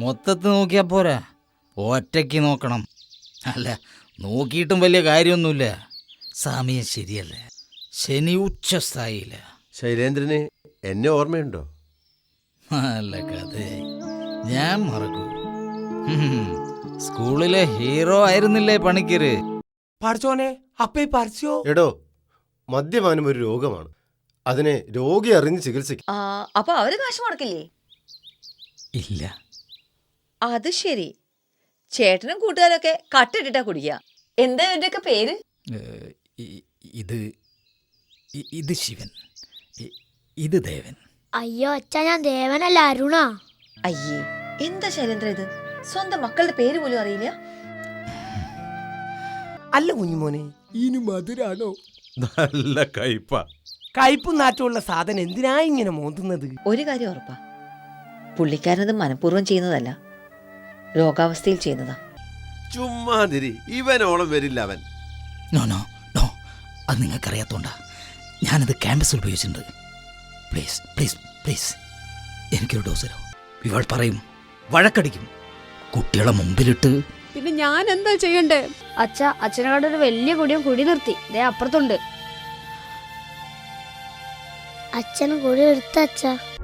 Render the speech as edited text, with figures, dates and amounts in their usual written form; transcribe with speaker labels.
Speaker 1: മൊത്തത്തിൽ നോക്കിയാ പോരാ, ഒറ്റയ്ക്ക് നോക്കണം. അല്ല, നോക്കിയിട്ടും വലിയ കാര്യമൊന്നുമില്ല. സമയം ശരിയല്ല, ശനി ഉച്ചസ്ഥായില്ല.
Speaker 2: ശൈലേന്ദ്രന് എന്നെ ഓർമ്മയുണ്ടോ?
Speaker 1: നല്ല കഥയായി, ഞാൻ മറക്കൂ. സ്കൂളിലെ ഹീറോ ആയിരുന്നില്ലേ പണിക്കര്?
Speaker 3: പഠിച്ചോനെ അപ്പ ഈ പറിച്ചോ?
Speaker 2: എടോ, മദ്യപാനം ഒരു രോഗമാണ്. അതിനെ രോഗി അറിഞ്ഞ് ചികിത്സിക്കും.
Speaker 4: അപ്പൊ അവര് കാശ് മുടക്കില്ലേ?
Speaker 1: ഇല്ല.
Speaker 4: അത് ശരി. ചേട്ടനും കൂട്ടുകാരൊക്കെ കട്ടിട്ടിട്ടാ കുടിക്കുക. എന്താ ഇവരുടെയൊക്കെ പേര്?
Speaker 1: ഇത് ശിവൻ, ഇത് ദേവൻ.
Speaker 5: അയ്യോ അച്ഛാ, ഞാൻ ദേവനല്ല, അരുണാ.
Speaker 4: അയ്യേ, എന്താ ശൈലേന്ദ്ര ഇത്? സ്വന്തം മക്കളുടെ പേര് പോലും അറിയില്ല.
Speaker 3: അല്ല കുഞ്ഞുമോനെ, ഇനി മധുരാണോ?
Speaker 2: നല്ല കയ്പ.
Speaker 3: കയ്പും നാറ്റമുള്ള സാധനം എന്തിനാ ഇങ്ങനെ മോന്തുന്നത്?
Speaker 4: ഒരു കാര്യം ഉറപ്പാ, പുള്ളിക്കാരനത് മനഃപൂർവ്വം ചെയ്യുന്നതല്ല, രോഗാവസ്ഥയിൽ ചെയ്യുന്നതാ.
Speaker 2: ചുമ്മാതിരി, ഇവനോളം വരില്ല അവൻ.
Speaker 1: നോ നോ നോ, അത് നിങ്ങൾക്കറിയാത്തോണ്ടാ. ഞാനത് ക്യാമ്പസിൽ ഉപയോഗിച്ചിട്ടുണ്ട്. പ്ലീസ് പ്ലീസ് പ്ലീസ്, എനിക്കൊരു ഡോസ് തരോ. ഇവൾ പറയും, വഴക്കടിക്കും. കുട്ടികളെ മുമ്പിലിട്ട്
Speaker 6: പിന്നെ ഞാൻ എന്താ ചെയ്യണ്ടേ?
Speaker 5: അച്ഛനെക്കാട് ഒരു വലിയ കുടിയും കുടി നിർത്തി, ദേ അപ്പുറത്തുണ്ട്. അച്ഛൻ കുടി എടുത്ത അച്ഛാ.